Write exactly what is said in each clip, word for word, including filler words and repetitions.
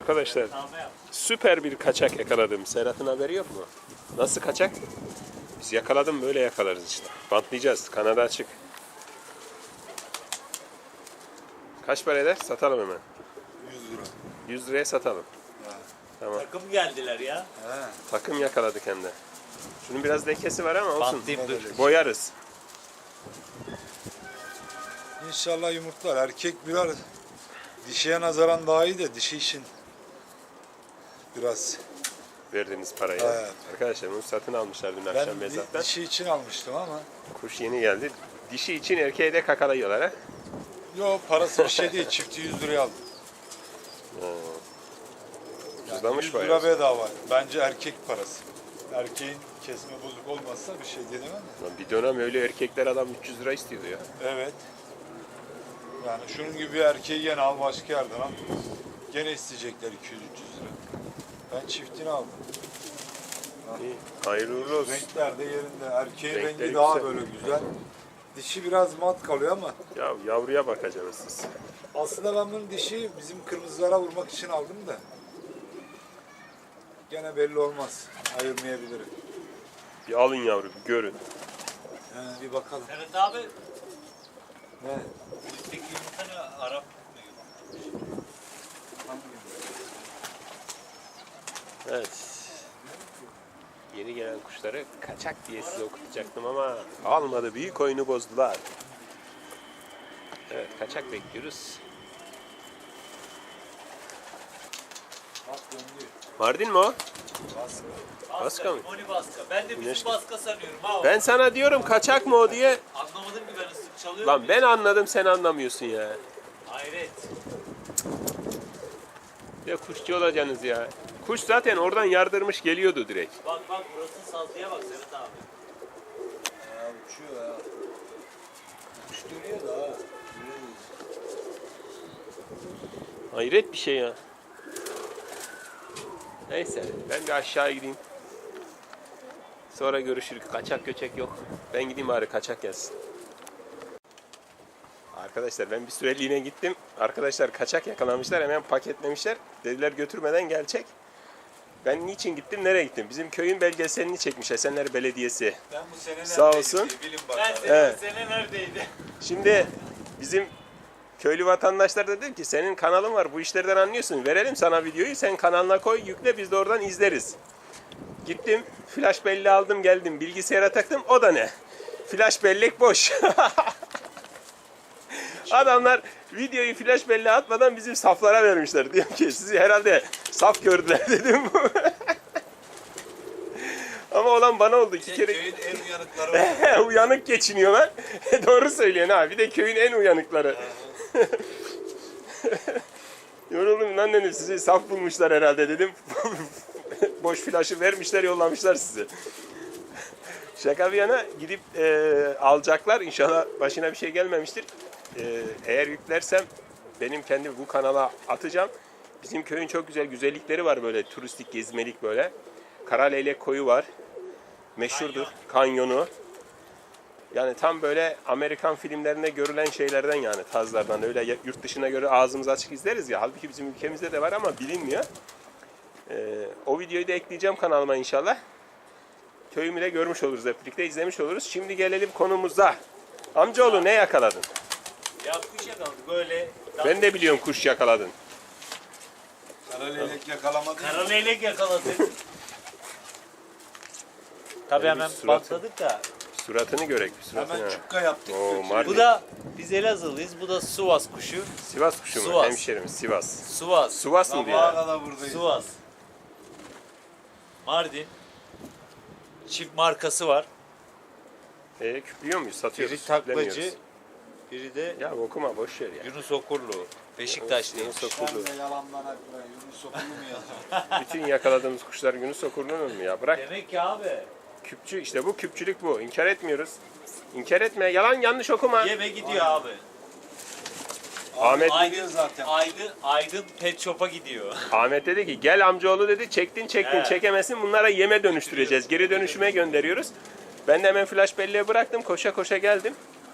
Arkadaşlar süper bir kaçak yakaladım. Serhat'ın haberi yok mu? Nasıl kaçak? Biz yakaladım, böyle yakalarız işte. Bantlayacağız. Kanadı açık. Kaç para eder? Satalım hemen. yüz lira. yüz liraya satalım. Ha. Tamam. Takım geldiler ya. He. Takım yakaladık hem de. Şunun biraz lekesi var ama olsun. Bantlayayım dur. Boyarız. İnşallah yumurtlar. Erkek biraz dişiye nazaran daha iyi de dişi için biraz. Verdiğimiz parayı. Evet. Arkadaşlar bunu satın almışlar dün Ben akşam di- mezattan. dişi için almıştım ama. Kuş yeni geldi. Dişi için erkeğe de kakalıyorlar ha. Yok, parası bir şey değil. Çifti yüz liraya aldım. Yani Ucuzlamış yüz bayağı. lira bedava. Bence erkek parası. Erkeğin kesme bozuk olmazsa bir şey diyemem de. Lan bir dönem öyle erkekler adam üç yüz lira istiyordu ya. Evet. Yani şunun gibi bir erkeği gene al başka yerden al. Gene isteyecekler iki yüz üç yüz lira. Ben çiftini aldım. İyi. Hayırlı uğurlu olsun. Renkler de yerinde. Erkeğin Renkleri rengi daha güzel. böyle güzel. Dişi biraz mat kalıyor ama Ya yavruya bakacaksınız siz. aslında ben bunu dişi bizim kırmızılara vurmak için aldım da. Gene belli olmaz. Ayırmayabilirim. Bir alın yavru, bir görün. He, bir bakalım. Evet abi. Ne? Üstteki yumurta ne? Arap mı? Evet. Yeni gelen kuşları kaçak diye size okutacaktım ama almadı. Büyük oyunu bozdular. Evet, kaçak bekliyoruz. Bak döndü. Mardin mi o? Baskı. Baska mı? Moni baska. Ben de bizim Güneş- baska sanıyorum ha. Ben sana diyorum kaçak mı o diye. Anlamadım ki ben ıslık çalıyorum. Lan ben anladım, sen anlamıyorsun ya. Hayret. Ya kuşçu olacaksınız ya. Kuş zaten oradan yardırmış geliyordu direkt. Bak bak burası sazlıya bak Serhat abi. Ya uçuyor ya. Kuş dönüyor da ha. Hayret bir şey ya. Neyse ben bir aşağı gideyim. Sonra görüşürüz. Kaçak göçek yok. Ben gideyim bari kaçak gelsin. Arkadaşlar ben bir süreliğine gittim. Arkadaşlar kaçak yakalamışlar. Hemen paketlemişler. Dediler götürmeden gelecek. Ben niçin gittim? Nereye gittim? Bizim köyün belgeselini çekmiş Esenler Belediyesi. Ben bu sene Sağ neredeydim olsun. diye Bilin Ben bakalım. senin Evet. sene neredeydi? Şimdi bizim köylü vatandaşlar da dedi ki senin kanalın var, bu işlerden anlıyorsun. Verelim sana videoyu, sen kanalına koy, yükle, biz de oradan izleriz. Gittim, flash belleği aldım geldim, bilgisayara taktım, o da ne? Flash bellek boş. Adamlar videoyu flash belleğe atmadan bizim saflara vermişler. Diyorum ki sizi herhalde saf gördüler dedim. Ama olan bana oldu iki kere. Köyün en uyanıkları var. Uyanık geçiniyor lan. Doğru söylüyorsun ha. Bir de köyün en uyanıkları. Yoruldum lan dedim, sizi saf bulmuşlar herhalde dedim. Boş flaşı vermişler, yollamışlar sizi. Şaka bir yana gidip e, alacaklar. İnşallah başına bir şey gelmemiştir. E, eğer yüklersem benim kendi bu kanala atacağım. Bizim köyün çok güzel güzellikleri var böyle turistik gezmelik böyle. Karaleylek koyu var. Meşhurdur. Kanyonu. Yani tam böyle Amerikan filmlerinde görülen şeylerden yani tazlardan öyle yurt dışına göre ağzımız açık izleriz ya. Halbuki bizim ülkemizde de var ama bilinmiyor. Ee, o videoyu da ekleyeceğim kanalıma inşallah. Köyümü de görmüş oluruz, hep birlikte izlemiş oluruz. Şimdi gelelim konumuza. Amcaoğlu ne yakaladın? Ya kuş yakaladık böyle. Ben de biliyorum kuş yakaladın. Karaleylek yakalamadı. Kara leylek yakaladık. Tabii Benim hemen suratım- bantladık da. Suratını görek. Suratını. Hemen çukka yaptık. Oo, götürdük. Mardin. Bu da biz Elazığlıyız. Bu da Sivas kuşu. Sivas kuşu mu? Sivas. Hemşerimiz Sivas. Sivas. Sivas mı diyor? Sabaha ya? kadar buradayız. Sivas. Mardin. Çift markası var. E, küplüyor muyuz? Satıyoruz. Biri taklacı, küplemiyoruz. biri de Ya okuma boş ver ya. Yunus Okurlu. Beşiktaşlıymış. Yunus Okurlu. Ben de yalandan akla Yunus Okullu mu yazıyor? Bütün yakaladığımız kuşlar Yunus Okurlu'nun mu ya? Bırak. Demek ki abi. Küpçü işte bu küpçülük bu. İnkar etmiyoruz. İnkar etme. Yalan yanlış okuma. Yeme gidiyor abi. Ahmet Aydın, zaten. Aydın, Aydın Pet Shop'a gidiyor. Ahmet dedi ki gel amcaoğlu dedi çektin çektin Evet. çekemezsin bunlara yeme dönüştüreceğiz. Geri dönüşüme gönderiyoruz. Ben de hemen flash belleğe bıraktım koşa koşa geldim.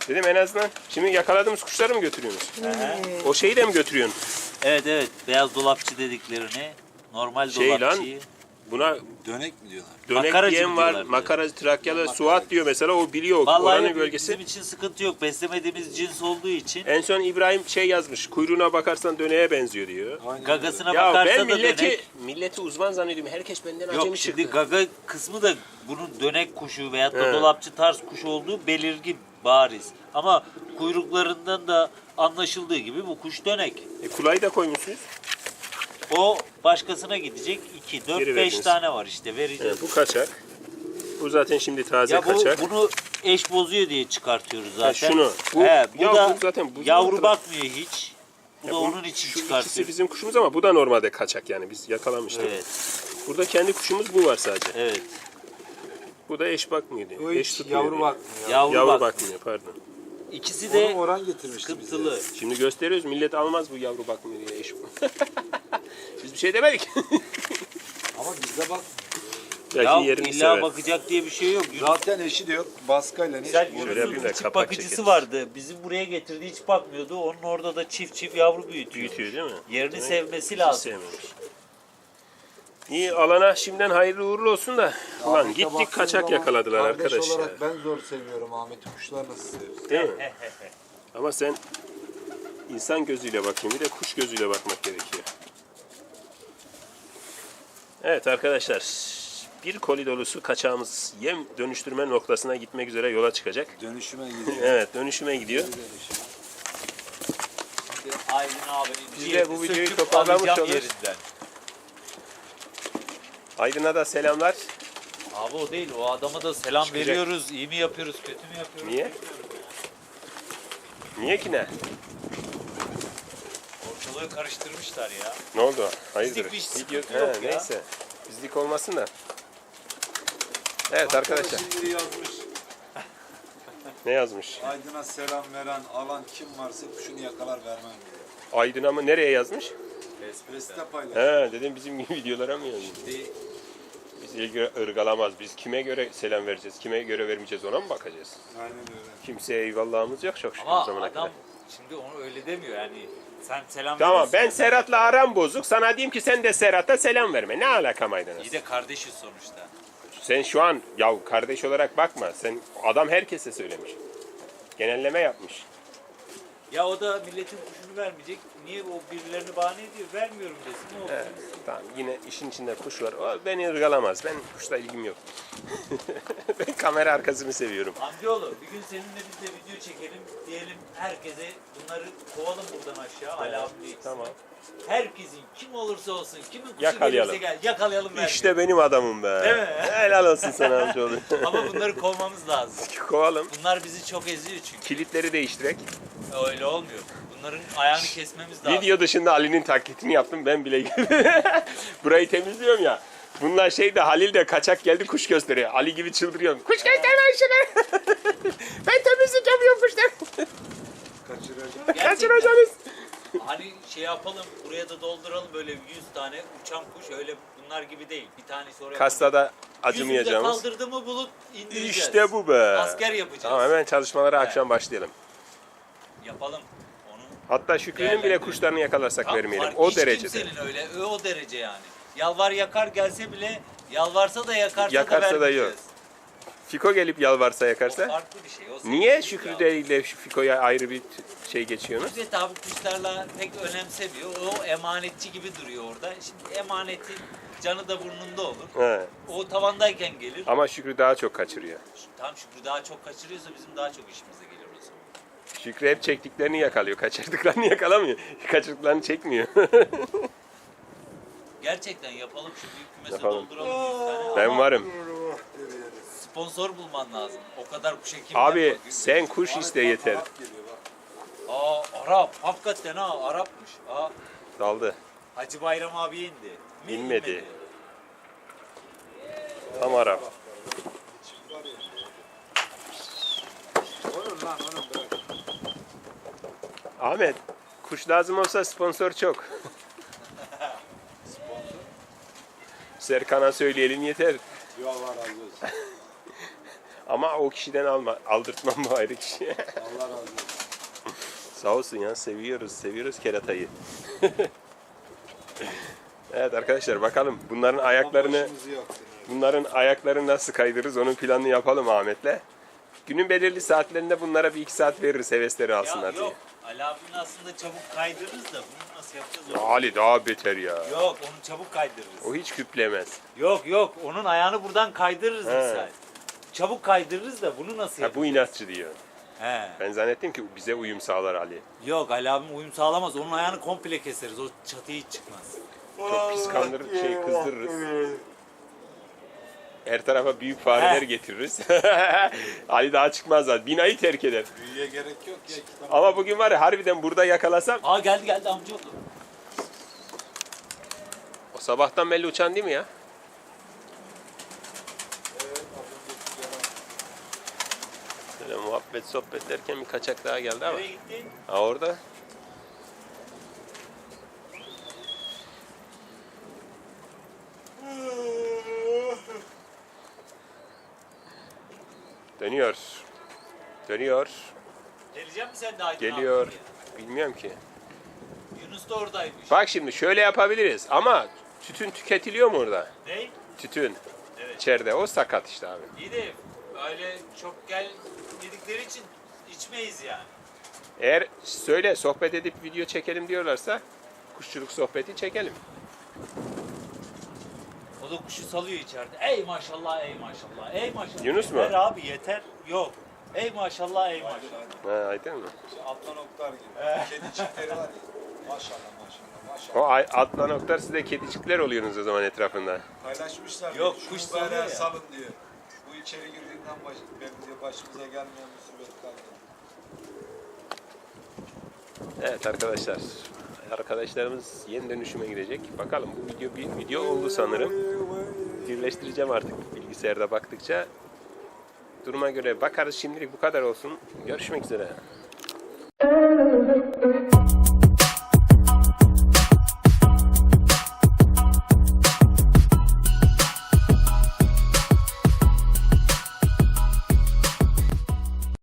Dedim en azından şimdi yakaladığımız kuşları mı götürüyorsunuz? O şeyi de mi götürüyorsun? Evet evet. Beyaz dolapçı dediklerini. Normal Şey lan, dolapçıyı. Buna Dönek mi diyorlar? dönek Makaracı diyen mı var, diyorlar? makara, Trakyalı, Suat diyor mesela, o biliyor Vallahi oranın bizim bölgesi. için sıkıntı yok. Beslemediğimiz cins olduğu için. En son İbrahim şey yazmış, kuyruğuna bakarsan döneğe benziyor diyor. Aynen Gagasına Ya bakarsa ben da milleti, dönek. milleti uzman zannediyorum. Herkes benden Yok acemi şimdi çıktı. gaga kısmı da bunun dönek kuşu veyahut da He. dolapçı tarz kuş olduğu belirgin, bariz. Ama kuyruklarından da anlaşıldığı gibi bu kuş dönek. E, kulayı da koymuşsunuz. O başkasına gidecek iki, Geri dört, beş verdiniz. tane var işte vereceğiz. Evet, bu kaçak. Bu zaten şimdi taze Ya bu, kaçak. bunu eş bozuyor diye çıkartıyoruz Ha, zaten. şunu. Bu, He, bu ya da bu zaten bu yavru zaten- bakmıyor hiç. Bu Ya da bu- onun için şu ikisi çıkartıyoruz. bizim kuşumuz ama bu da normalde kaçak yani biz yakalamıştık. Evet, Burada kendi kuşumuz bu var sadece. evet. Bu da eş bakmıyor diyor. O Eş hiç tutmuyor yavru diyor. bakmıyor. Yavru, Yavru bak. bakmıyor pardon. İkisi Onu de Orhan getirmişti sıkıntılı. bize. Şimdi gösteriyoruz, millet almaz bu yavru bakmıyor diye eş. Biz bir şey demedik. Ama bizde bak. Belki Ya yerini illa sever. bakacak diye bir şey yok. Zaten eşi de yok. Baskayla ne Güzel iş bu? Şöyle yapayım da Yunus'un çift kapak bakıcısı çekeriz. vardı. Bizi buraya getirdi hiç bakmıyordu. Onun orada da çift çift yavru büyütüyor. Büyütüyor değil mi? Yerini Demek sevmesi hiç lazım. sevmemiş. İyi, alana şimdiden hayırlı uğurlu olsun da. Ulan Ahmet'e gittik baktığın kaçak zaman yakaladılar kardeş arkadaş ya. olarak ben zor seviyorum Ahmet'i. Kuşlar nasıl seviyorsun? Değil mi? Ama sen insan gözüyle bakıyorsun, bir de kuş gözüyle bakmak gerekiyor. Evet arkadaşlar, bir koli dolusu kaçağımız yem dönüştürme noktasına gitmek üzere yola çıkacak. Dönüşüme gidiyor. Evet, dönüşüme gidiyor. Şimdi Aydın abinin Biz de ciğerini bu videoyu söküp toparlamış alacağım oluruz. yerinden. Aydın'a da selamlar. Abi o değil. O adama da selam Çıkacak. veriyoruz. İyi mi yapıyoruz, kötü mü yapıyoruz? Niye? Niye ki ne? Ortalığı karıştırmışlar ya. Ne oldu? Hayırdır? Bizlik bir sıkıntı Video... yok He, ya. Neyse. Bizlik olmasın da. Evet arkadaşlar. Şimdi yazmış. Ne yazmış? Aydın'a selam veren alan kim varsa kuşunu yakalar vermem diyor. Aydın'a mı? Nereye yazmış? Espres'te paylaş. He, dedim bizim gibi videolara mı yazmış? Şimdi Biz ilgi ırgalamaz. Biz kime göre selam vereceğiz, kime göre vermeyeceğiz ona mı bakacağız? Aynen öyle. Kimseye eyvallahımız yok çok şükür bu ama zamana adam kadar. şimdi onu öyle demiyor yani. Sen selam Tamam, veriyorsun. ben Serhat'la aram bozuk. Sana diyeyim ki sen de Serhat'a selam verme. Ne alaka maydanoz? İyi de kardeşiz sonuçta. Sen şu an ya kardeş olarak bakma. Sen adam herkese söylemiş. Genelleme yapmış. Ya o da milletin kuşunu vermeyecek. Niye o birilerini bahane ediyor? Vermiyorum desin. Ne oldu? Evet, tamam yine işin içinde kuş var. O beni ırgalamaz. Ben kuşla ilgim yok. Ben kamera arkasını seviyorum. Amcaoğlu bir gün seninle biz de video çekelim. Diyelim herkese bunları kovalım buradan aşağı. Ali abimle Tamam. Herkesin kim olursa olsun, kimin kuşu Yakalayalım. gelirse gel. Yakalayalım ver. İşte benim adamım be. Değil mi? Helal olsun sana amcaoğlu. Ama bunları kovmamız lazım. Kovalım. Bunlar bizi çok eziyor çünkü. Kilitleri değiştirek. Öyle olmuyor. Bunların ayağını kesmemiz lazım. Video dışında Ali'nin taklitini yaptım ben bile. Burayı temizliyorum ya. Bunlar şey de Halil de kaçak geldi kuş gösteriyor. Ali gibi çıldırıyorum. Kuş gösterme şunu. Ben temizlik yapıyorum kuşlar. Kaçıracak. Kaçıracaksınız. Hani şey yapalım, buraya da dolduralım böyle yüz tane uçan kuş. Öyle bunlar gibi değil. Bir tanesi oraya. Kastada Yüzünde acımayacağımız. kaldırdı mı bulut indireceğiz. İşte bu be. Asker yapacağız. Tamam hemen çalışmalara akşam başlayalım. Yapalım onu. Hatta Şükrü'nün bile Değerlendirelim. kuşlarını yakalarsak Tam vermeyelim. fark- O hiç derecede. kimsenin öyle, o derece yani. Yalvar yakar gelse bile yalvarsa da yakarsa, Yakarsa da da vermeyeceğiz. yok. Fiko gelip yalvarsa O yakarsa. farklı bir şey. O Niye sevdiğimiz Şükrü ya. de ile Fiko'ya ayrı bir t- şey geçiyorsunuz? Fikret abi kuşlarla pek önemsemiyor. O emanetçi gibi duruyor orada. Şimdi emanetin canı da burnunda olur. He. O tavandayken gelir. Ama Şükrü daha çok kaçırıyor. Tam Şükrü daha çok kaçırıyorsa bizim daha çok işimize gelir o zaman. Şükrü hep çektiklerini yakalıyor. Kaçırdıklarını yakalamıyor. Kaçırdıklarını çekmiyor. Gerçekten yapalım şu büyük kümesi Yapalım. dolduralım. yüz tane. Ben Ama varım. sponsor bulman lazım. O kadar kuşa kim Abi yapar? sen kuş iste yeter. Arap geliyor bak. Aa Arap. Hakikaten ha Arapmış. Aa Daldı. Hacı Bayram abiye indi. Mi İnmedi. Tam Arap. Onun lan onun bırak. Ahmet, kuş lazım olsa sponsor çok. Serkan'a söyleyelim yeter. Yo Allah razı olsun. Ama o kişiden alma, aldırtmam bu ayrı kişiye. Allah razı olsun. Sağ olsun ya, seviyoruz, seviyoruz keratayı. Evet arkadaşlar, bakalım bunların ayaklarını Başımızı yaktın abi. bunların ayaklarını nasıl kaydırırız, onun planını yapalım Ahmet'le. Günün belirli saatlerinde bunlara bir iki saat veririz, hevesleri Ya alsınlar diye. yok. Ali abinin aslında çabuk kaydırırız da bunu nasıl yapacağız? Ya Onu? Ali daha beter ya. Yok onu çabuk kaydırırız. O hiç küplemez. Yok yok onun ayağını buradan kaydırırız He. misal. Çabuk kaydırırız da bunu nasıl Ha, yapacağız? bu inatçı diyor. He. Ben zannettim ki bize uyum sağlar Ali. Yok Ali abim uyum sağlamaz. Onun ayağını komple keseriz. O çatı hiç çıkmaz. Çok pis kandırır, şey kızdırırız. Her tarafa büyük fareler He. getiririz. Ali daha çıkmaz zaten. Binayı terk eder. Büyüye gerek yok ya. Kitap. Ama bugün var ya, harbiden burada yakalasam, Aa geldi geldi amcaoğlu. o sabahtan belli uçan değil mi ya? Evet, az önceki yalan. Böyle muhabbet sohbet derken bir kaçak daha geldi ama. Nereye gitti? Ha orada. Dönüyor. Dönüyor. Gelecek mi sen de Aydın Geliyor. abi diye? Bilmiyorum ki. Yunus da oradaymış. Bak şimdi şöyle yapabiliriz ama tütün tüketiliyor mu orada? Ne? Tütün. Evet. İçeride. O sakat işte abi. İyi de öyle çok gel dedikleri için içmeyiz yani. Eğer söyle sohbet edip video çekelim diyorlarsa kuşçuluk sohbeti çekelim. O da kuşu salıyor içeride. Ey maşallah ey maşallah. Ey maşallah. Yunus mu? Yeter abi yeter. Yok. Ey maşallah ey maşallah. Ha, aydın mı? Şu Atlan Oktar gibi. Kedi çiftleri var ya. Maşallah maşallah maşallah. O ay- Atlan Oktar, siz de kedicikler oluyorsunuz o zaman etrafında. Paylaşmışlar. Yok, diyor, kuş şunu böyle salıyor ya. salın diyor. Bu içeri girdiğinden baş, benim diyor başımıza gelmeyen musibet kaldı. Evet arkadaşlar. Arkadaşlarımız yeni dönüşüme girecek. Bakalım, bu video bir video oldu sanırım. Birleştireceğim artık bilgisayarda baktıkça. Duruma göre bakarız, şimdilik bu kadar olsun. Görüşmek üzere.